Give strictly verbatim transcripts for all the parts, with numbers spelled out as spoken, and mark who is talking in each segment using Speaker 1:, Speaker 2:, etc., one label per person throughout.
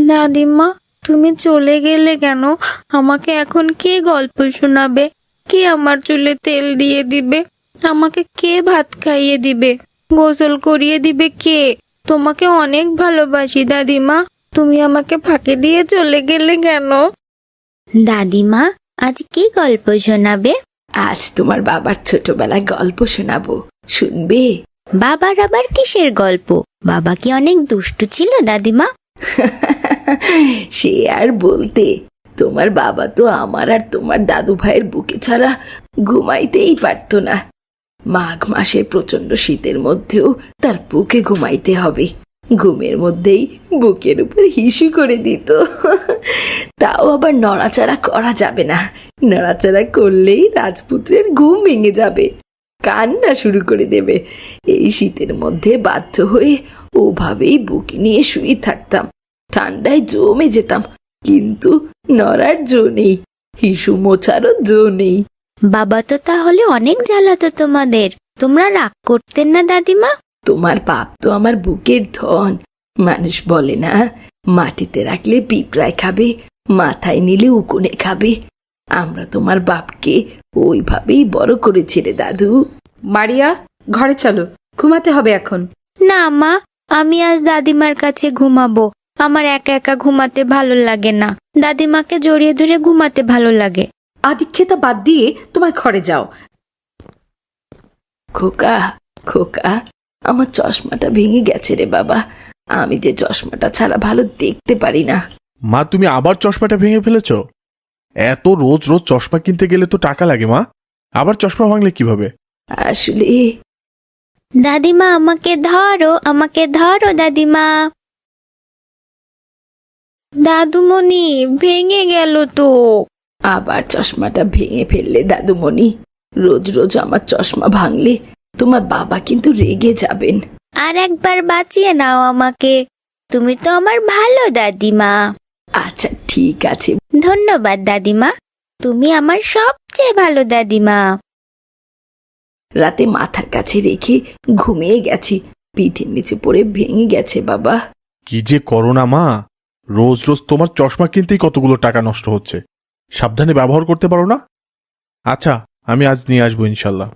Speaker 1: দাদিমা, তুমি চলে গেলে কেন? আমাকে এখন কে গল্প শোনাবে? কে আমার চুলে তেল দিয়ে দিবে? আমাকে কে ভাত খাইয়ে দিবে? গোসল করিয়ে দিবে কে? তোমাকে অনেক ভালোবাসি দাদিমা, তুমি আমাকে ফাঁকি দিয়ে চলে গেলে কেন?
Speaker 2: দাদিমা, আজ কি গল্প শোনাবে?
Speaker 3: আজ তোমার বাবার ছোটবেলায় গল্প শোনাবো, শুনবে?
Speaker 2: বাবার আবার কিসের গল্প? বাবা কি অনেক দুষ্টু ছিল দাদিমা?
Speaker 3: সে আর বলতে, তোমার বাবা তো আমার আর তোমার দাদু ভাইয়ের বুকে ছাড়া ঘুমাইতেই পারতো না। মাঘ মাসের প্রচন্ড শীতের মধ্যেও তার বুকে ঘুমাইতে হবে। ঘুমের মধ্যেই বুকের উপর হিসু করে দিত। তাও আবার নড়াচড়া করা যাবে না, নড়াচড়া করলেই রাজপুত্রের ঘুম ভেঙে যাবে, কান্না শুরু করে দেবে। এই শীতের মধ্যে বাধ্য হয়ে ওভাবেই বুকে নিয়ে শুয়ে থাকতাম। ঠান্ডায় জমে যেতাম, কিন্তু নড়ার জো নেই, হিসু মোছারও জো নেই।
Speaker 2: বাবা তো তাহলে অনেক জ্বালাতো তোমাদের, তোমরা রাগ করতেন না দাদিমা?
Speaker 3: তোমার বাপ তো আমার বুকের ধন। মানুষ বলে না, মাটিতে রাখলে পিঁপড়ায় খাবে, মাথায় নিলে উকুনে খাবে। আমরা তোমার বাপকে ওইভাবেই বড় করেছি রে দাদু।
Speaker 4: মারিয়া, ঘরে চলো, ঘুমাতে হবে এখন।
Speaker 2: না মা, আমি আজ দাদিমার কাছে ঘুমাবো। আমার একা একা ঘুমাতে ভালো লাগে না, দাদিমাকে জড়িয়ে ধরে ঘুমাতে ভালো লাগে।
Speaker 4: আদিক্ষেতা বাদ দিয়ে তোমার ঘরে যাও।
Speaker 3: খোকা, খোকা, আমার চশমাটা ভেঙে গেছে রে বাবা। আমি যে চশমাটা ছাড়া ভালো দেখতে পারি না।
Speaker 5: মা, তুমি আবার চশমাটা ভেঙে ফেলেছ? এত রোজ রোজ চশমা কিনতে গেলে তো টাকা লাগে মা, আবার চশমা ভাঙলে কিভাবে?
Speaker 3: আসলে
Speaker 2: দাদিমা, আমাকে ধরো, আমাকে ধরো দাদিমা।
Speaker 1: দাদুমণি, ভেঙে গেল তো।
Speaker 3: আবার চশমাটা ভেঙে ফেললে দাদুমণি? রোজ রোজ আমার চশমা ভাঙলে তোমার বাবা কিন্তু রেগে যাবেন।
Speaker 2: আর একবার বাঁচিয়ে নাও আমাকে, তুমি তো আমার ভালো দাদিমা।
Speaker 3: আচ্ছা ঠিক আছে।
Speaker 2: ধন্যবাদ দাদিমা, তুমি আমার সবচেয়ে ভালো দাদিমা।
Speaker 3: রাতে মাথার কাছে রেখে ঘুমিয়ে গেছি, পিঠের নিচে পড়ে ভেঙে গেছে বাবা।
Speaker 5: কি যে করো না মা, রোজ রোজ তোমার চশমা কিনতেই কতগুলো টাকা নষ্ট হচ্ছে। সাবধানে ব্যবহার করতে পারো না? আচ্ছা, আমি আজ নিয়ে আসবো ইনশাল্লাহ।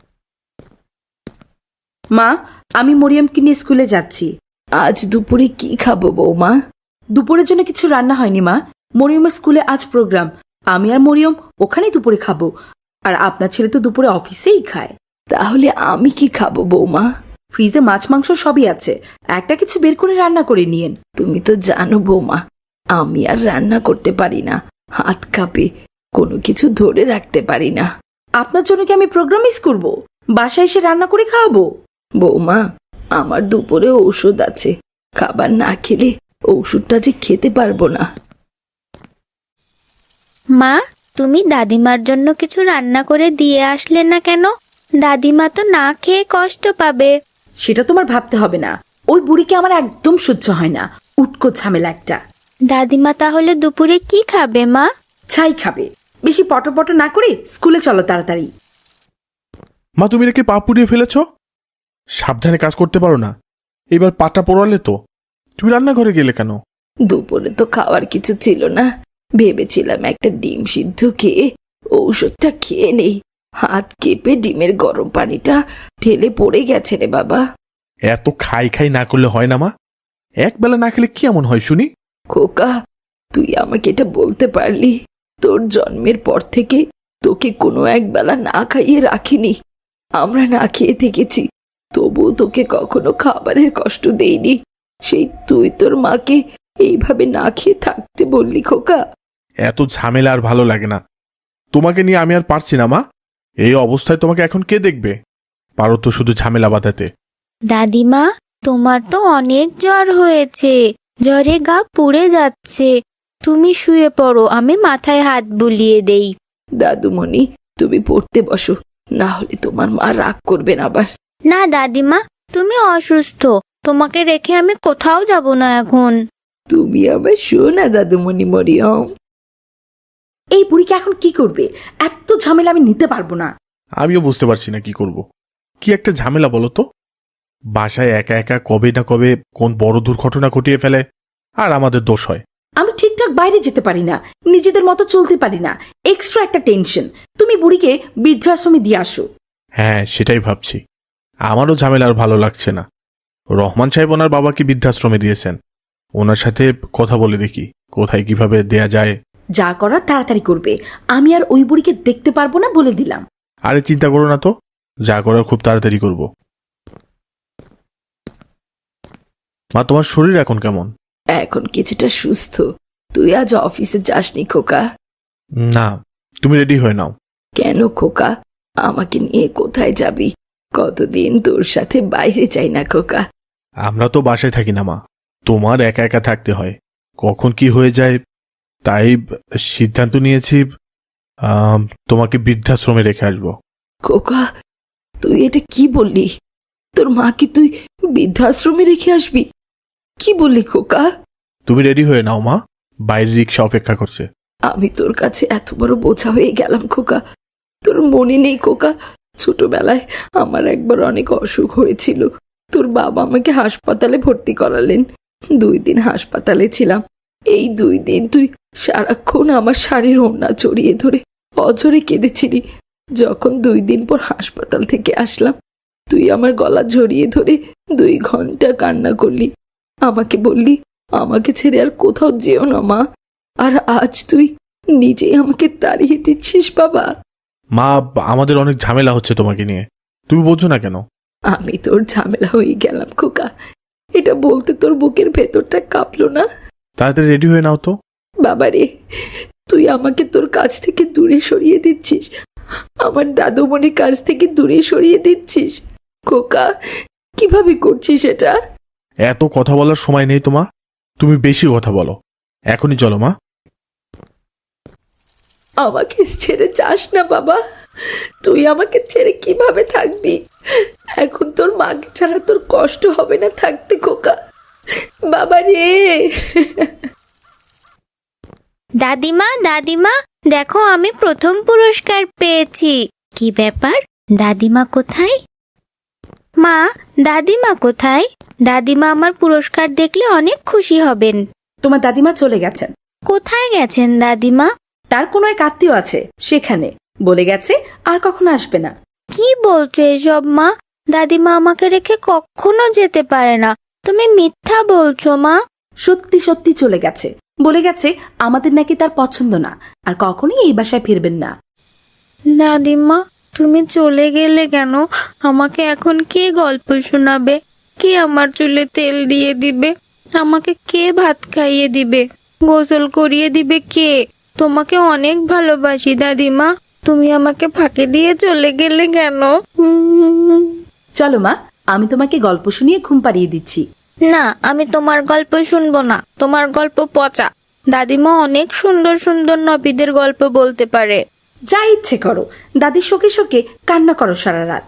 Speaker 4: মা, আমি মরিয়মকে নিয়ে স্কুলে যাচ্ছি।
Speaker 3: আজ দুপুরে কি খাবো বৌমা?
Speaker 4: দুপুরের জন্য কিছু রান্না হয়নি মা, মরিয়মের স্কুলে আজ প্রোগ্রাম। আমি আর মরিয়ম ওখানেই দুপুরে খাবো, আর আপনার ছেলে তো দুপুরে অফিসেই খায়।
Speaker 3: তাহলে আমি কি খাবো বৌমা?
Speaker 4: ফ্রিজে মাছ মাংস সবই আছে, একটা কিছু বের করে রান্না করে নিয়েন।
Speaker 3: তুমি তো জানো বৌমা, আমি আর রান্না করতে পারি না, হাত কাঁপে, কোনো কিছু ধরে রাখতে পারি না।
Speaker 4: আপনার জন্য কি আমি প্রোগ্রাম মিস করবো? বাসায় এসে রান্না করে খাওয়াবো।
Speaker 3: বৌমা, আমার দুপুরে ঔষধ আছে, খাবার না খেলে ঔষধটা যে খেতে পারবো না।
Speaker 2: মা, তুমি দাদিমার জন্য কিছু রান্না করে দিয়ে আসলে না কেন? দাদিমা তো না খেয়ে কষ্ট পাবে।
Speaker 4: সেটা তোমার ভাবতে হবে না, ওই বুড়িকে আমার একদম সহ্য হয় না, উটকো ঝামেলা একটা।
Speaker 2: দাদিমা তাহলে দুপুরে কি খাবে মা?
Speaker 4: ছাই খাবে। বেশি পটপট না করে স্কুলে চলো তাড়াতাড়ি।
Speaker 5: মা, তুমি নাকি পা পুড়িয়ে ফেলেছ? সাবধানে কাজ করতে পারো না? এবার পাটা পোড়ালে তো। তুমি রান্নাঘরে গেলে কেন?
Speaker 3: দুপুরে তো খাওয়ার কিছু ছিল না, ভেবেছিলাম একটা ডিম সিদ্ধ খেয়ে ঔষধটা খেয়ে নেই। হাত কেঁপে ডিমের গরম পানিটা ঢেলে পড়ে গেছে রে বাবা।
Speaker 5: এত খাই খাই না করলে হয় না মা? এক বেলা না খেলে কি এমন হয় শুনি?
Speaker 3: খোকা, তুই আমাকে এটা বলতে পারলি? তোর জন্মের পর থেকে তোকে কোনো এক বেলা না খাইয়ে রাখিনি। আমরা না খেয়ে থেকেছি, তবুও তোকে কখনো খাবারের কষ্ট দেইনি। সেই তুই তোর মাকে এইভাবে না খেয়ে থাকতে বললি খোকা।
Speaker 5: এত ঝামেলা আর ভালো লাগে না। তোমাকে নিয়ে আমি আর পারছি না মা। এই অবস্থায় তোমাকে এখন কে দেখবে? পারো তো শুধু ঝামেলা বাঁধাতে।
Speaker 2: দাদিমা, তোমার তো অনেক জ্বর হয়েছে, জ্বরে গা পুড়ে যাচ্ছে। তুমি শুয়ে পড়ো, আমি মাথায় হাত বুলিয়ে দেই।
Speaker 3: দাদুমণি, তুমি পড়তে বসো, না হলে তোমার মা রাগ করবেন আবার।
Speaker 2: না দাদিমা, তুমি অসুস্থ, তোমাকে রেখে আমি কোথাও যাব না এখন।
Speaker 3: তুমি আবার শোনা দাদুমণি মরিয়ম।
Speaker 4: এই বুড়িকে এখন কি করবে? এত ঝামেলা আমি নিতে পারবো না।
Speaker 5: আমিও বুঝতে পারছি না কি করব। কি একটা ঝামেলা বলো তো। বাসায় একা একা কবে না কবে কোন বড় দুর্ঘটনা ঘটিয়ে ফেলে, আর আমাদের দোষ হয়।
Speaker 4: আমি ঠিকঠাক বাইরে যেতে পারি না, নিজেদের মতো চলতে পারি না, এক্সট্রা একটা টেনশন। তুমি বুড়িকে বৃদ্ধাশ্রমে দিয়ে আসো।
Speaker 5: হ্যাঁ, সেটাই ভাবছি। আমারও ঝামেলা আর ভালো লাগছে না। রহমান সাহেব ওনার বাবাকে বৃদ্ধাশ্রমে দিয়েছেন। ওনার সাথে কথা বলে দেখি কোথায় কিভাবে দেয়া যায়।
Speaker 4: যা করার তাড়াতাড়ি করবে, আমি আর ওই বুড়িকে দেখতে পারবো না বলে দিলাম।
Speaker 5: আরে চিন্তা করো না তো, যা করার খুব তাড়াতাড়ি করব। মা, তোমার শরীর এখন কেমন?
Speaker 3: এখন কিছুটা সুস্থ। তুই আজ অফিসে যাসনি খোকা?
Speaker 5: না, তুমি রেডি হয়ে নাও।
Speaker 3: কেন খোকা, আমাকে নিয়ে কোথায় যাবি? কতদিন তোর সাথে বাইরে যাই না খোকা।
Speaker 5: আমরা তো বাসায় থাকি না মা, তোমার একা একা থাকতে হয়, কখন কি হয়ে যায়। তাই সিদ্ধান্ত নিয়েছি আম, তোমাকে বৃদ্ধাশ্রমে রেখে আসবো।
Speaker 3: খোকা, তুই এটা কি বললি? তোর মাকে তুই বৃদ্ধাশ্রমে রেখে আসবি? কি বললি খোকা?
Speaker 5: তুমি রেডি হয়ে নাও মা, বাইরে রিক্সা অপেক্ষা করছে।
Speaker 3: আমি তোর কাছে এত বড় বোঝা হয়ে গেলাম খোকা। তোর মনে নেই খোকা, ছোটবেলায় আমার একবার অনেক অসুখ হয়েছিল। তোর বাবা আমাকে হাসপাতালে ভর্তি করালেন। দুই দিন হাসপাতালে ছিলাম। এই দুই দিন তুই সারাক্ষণ আমার শাড়ির ওড়না জড়িয়ে ধরে অঝরে কেঁদেছিলি। যখন দুই দিন পর হাসপাতাল থেকে আসলাম, তুই আমার গলা জড়িয়ে ধরে দুই ঘন্টা কান্না করলি। আমাকে বললি আমাকে ছেড়ে আর কোথাও যেও না মা। আর আজ তুই নিজেই আমাকে তাড়িয়ে দিচ্ছিস বাবা।
Speaker 5: মা, আমাদের অনেক ঝামেলা হচ্ছে তোমাকে নিয়ে, তুমি বোঝো না কেন?
Speaker 3: আমি তোর ঝামেলা হয়ে গেলাম খোকা। এটা বলতে তোর বুকের ভেতরটা কাঁপলো না?
Speaker 5: তাড়াতাড়ি রেডি হয়ে নাও তো।
Speaker 3: বাবা রে, তুই আমাকে তোর কাছ থেকে দূরে সরিয়ে দিচ্ছিস, আমার দাদুমণির কাছ থেকে দূরে সরিয়ে দিচ্ছিস। খোকা, কিভাবে করছিস এটা?
Speaker 5: এত কথা বলার সময় নেই তোমা, তুমি বেশি কথা বলো। এখনই চলো মা।
Speaker 3: আমাকে ছেড়ে যাস না বাবা। তুই আমাকে ছেড়ে কিভাবে থাকবি? এখন তোর মাকে ছাড়া তোর কষ্ট হবে না থাকতে খোকা? বাবা রে।
Speaker 2: দাদিমা, দাদিমা, দেখো আমি প্রথম পুরস্কার পেয়েছি। কি ব্যাপার, দাদিমা কোথায়? মা, দাদিমা কোথায়? দাদিমা আমার পুরস্কার দেখলে অনেক খুশি হবেন।
Speaker 4: তোমার দাদিমা চলে গেছেন।
Speaker 2: কোথায় গেছেন দাদিমা?
Speaker 4: তার কোনো এক আত্মীয় আছে সেখানে, বলে গেছে আর কখনো আসবে না।
Speaker 2: কি বলছো এসব মা? দাদিমা আমাকে রেখে কখনো যেতে পারে না। তুমি মিথ্যা বলছো মা।
Speaker 4: সত্যি সত্যি চলে গেছে, বলে গেছে আমাদের নাকি তার পছন্দ না, আর কখনোই এই বাসায় ফিরবেন না।
Speaker 1: দাদিমা, তুমি চলে গেলে কেন? আমাকে এখন কে গল্প শোনাবে? কে আমার চুলে তেল দিয়ে দিবে? আমাকে কে ভাত খাইয়ে দিবে? গোসল করিয়ে দিবে কে? তোমাকে অনেক ভালোবাসি দাদিমা, তুমি আমাকে ফাঁকি দিয়ে চলে গেলে কেন? উম,
Speaker 4: চলো মা, আমি তোমাকে গল্প শুনিয়ে ঘুম পাড়িয়ে দিচ্ছি।
Speaker 1: না, আমি তোমার গল্প শুনবো না, তোমার গল্প পচা। দাদিমা অনেক সুন্দর সুন্দর নবীদের গল্প বলতে পারে।
Speaker 4: যা ইচ্ছে করো, দাদির শোকে শোকে কান্না করো সারা রাত।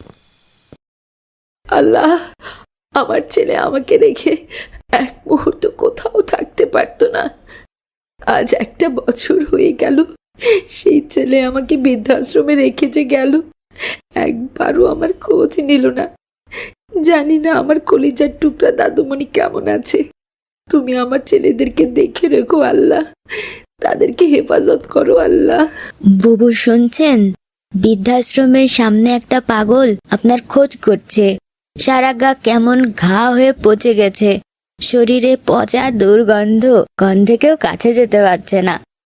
Speaker 3: আল্লাহ, আমার ছেলে আমাকে রেখে এক মুহূর্ত কোথাও থাকতে পারতো না। আজ একটা বছর হয়ে গেল সেই ছেলে আমাকে বৃদ্ধাশ্রমে রেখে যে গেল, একবারও আমার খোঁজ নিল না। জানি না আমার কলিজার টুকরা দাদুমণি কেমন আছে। তুমি আমার ছেলেদেরকে দেখে রেখো আল্লাহ, তাদেরকে হেফাজত করো আল্লাহ।
Speaker 2: বুবু শুনছেন? বৃদ্ধাশ্রমের সামনে একটা পাগল আপনার খোঁজ করছে। সারা গা কেমন ঘা হয়ে পচে গেছে, শরীরে পচা দুর্গন্ধ, গন্ধে কেউ কাছে যেতে পারছে না।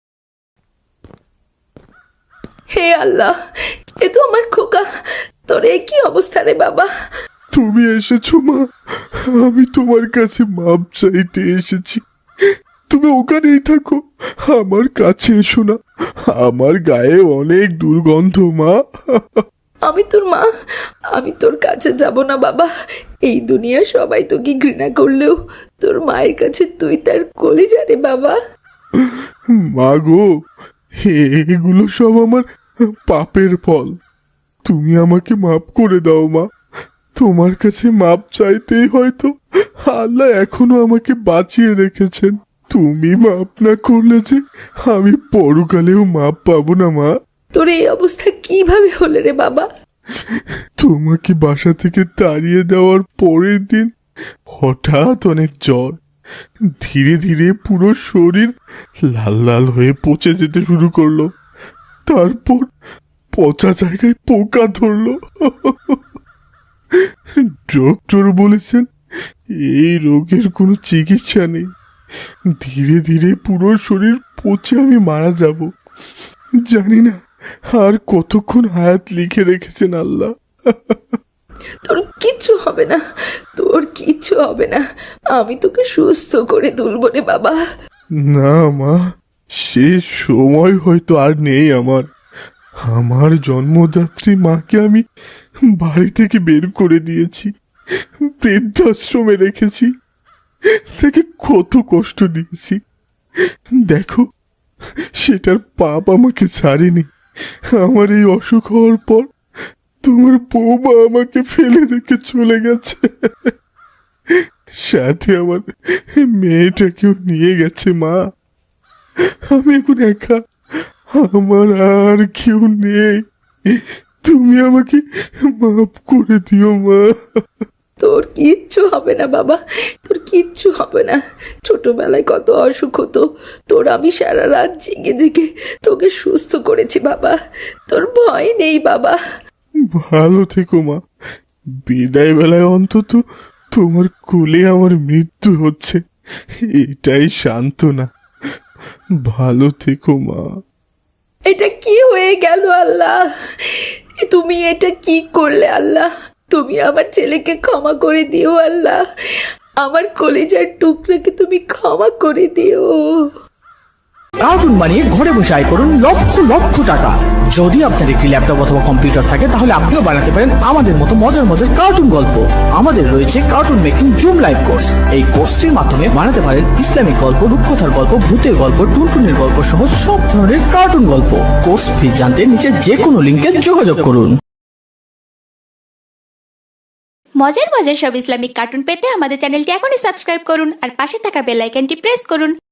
Speaker 3: হে আল্লাহ, এ তো আমার খোকা। তোর এ কি অবস্থা রে বাবা?
Speaker 5: তুমি এসেছো মা, আমি তোমার কাছে মাপ চাইতে এসেছি। তুমি ওখানেই থাকো, আমার কাছে এসো না, আমার গায়ে অনেক দুর্গন্ধ মা।
Speaker 3: আমি তোর মা, আমি তোর কাছে যাব না বাবা। এই দুনিয়া সবাই তোকে ঘৃণা করলেও তোর মায়ের কাছে তুই তার কলিজা রে বাবা।
Speaker 5: মা গো, এগুলো সব আমার পাপের ফল, তুমি আমাকে মাপ করে দাও মা। তোমার কাছে মাপ চাইতেই হয়তো আল্লাহ এখনো আমাকে বাঁচিয়ে রেখেছেন। তুমি মাপ না করলে যে আমি পরকালেও মাপ পাবো না মা।
Speaker 3: তোর এই অবস্থা কিভাবে হলে রে বাবা?
Speaker 5: তোমাকে বাসা থেকে তাড়িয়ে দেওয়ার পরের দিন হঠাৎ অনেক জ্বর, ধীরে ধীরে পুরো শরীর লাল লাল হয়ে পচে যেতে শুরু করলো। তারপর পচা জায়গায় পোকা ধরলো। ডক্টর বলেছেন এই রোগের কোনো চিকিৎসা নেই, ধীরে ধীরে পুরো শরীর পচে আমি মারা যাব। জানি না আর কতক্ষণ হায়াত লিখে রেখেছেন আল্লাহ।
Speaker 3: তোর কিচ্ছু হবে না, তোর কিচ্ছু হবে না, আমি তোকে সুস্থ করে তুলবো রে বাবা।
Speaker 5: না মা, সে সময় হয়তো আর নেই আমার। আমার জন্মদাত্রী মাকে আমি বাড়ি থেকে বের করে দিয়েছি, বৃদ্ধাশ্রমে রেখেছি, তাকে কত কষ্ট দিয়েছি। দেখো, সেটার পাপ আমাকে ছাড়েনি। আমার এই অসুখ হওয়ার পর তোমার বৌমা আমাকে ফেলে রেখে চলে গেছে, সাথে আমার মেয়েটাকেও নিয়ে গেছে। মা, আমি এখন একা, আমার আর কেউ নেই। তুমি আমাকে মাফ করে দিও মা।
Speaker 3: তোর কিচ্ছু হবে না বাবা, তোর কিচ্ছু হবে না। ছোটবেলায় কত অসুখ হতো, তোর আমি সারা রাত জেগে জেগে তোকে সুস্থ করেছি বাবা, তোর ভয় নেই বাবা।
Speaker 5: ভালো থেকো মা। বিদায় বেলায় অন্তত তোমার কোলে আমার মৃত্যু হচ্ছে, এটাই সান্ত্বনা। ভালো থেকো মা।
Speaker 3: এটা কি হয়ে গেল আল্লাহ, তুমি এটা কি করলে আল্লাহ? তুমি আমার ছেলেকে ক্ষমা করে দিও আল্লাহ, আমার কলিজার টুকরাকে তুমি ক্ষমা করে দিও।
Speaker 6: কার্টুন বানিয়ে ঘরে বসে আয় করুন লক্ষ লক্ষ টাকা। যদি আপনার একটি ল্যাপটপ অথবা কম্পিউটার থাকে তাহলে আপনিও বানাতে পারেন আমাদের মতো মজার মজার কার্টুন গল্প। আমাদের রয়েছে cartoon making zoom live course. এই কোর্সটির মাধ্যমে বানাতে পারেন ইসলামিক গল্প, রূপকথার গল্প, ভূতের গল্প, টুনটুনের গল্প সহ সব ধরনের কার্টুন গল্প। কোর্স ফি জানতে নিচে যে কোনো লিঙ্কে যোগাযোগ করুন।
Speaker 2: মজার মজার সব ইসলামিক কার্টুন পেতে আমাদের চ্যানেলটি এখনই সাবস্ক্রাইব করুন আর পাশে থাকা বেল আইকনটি প্রেস করুন।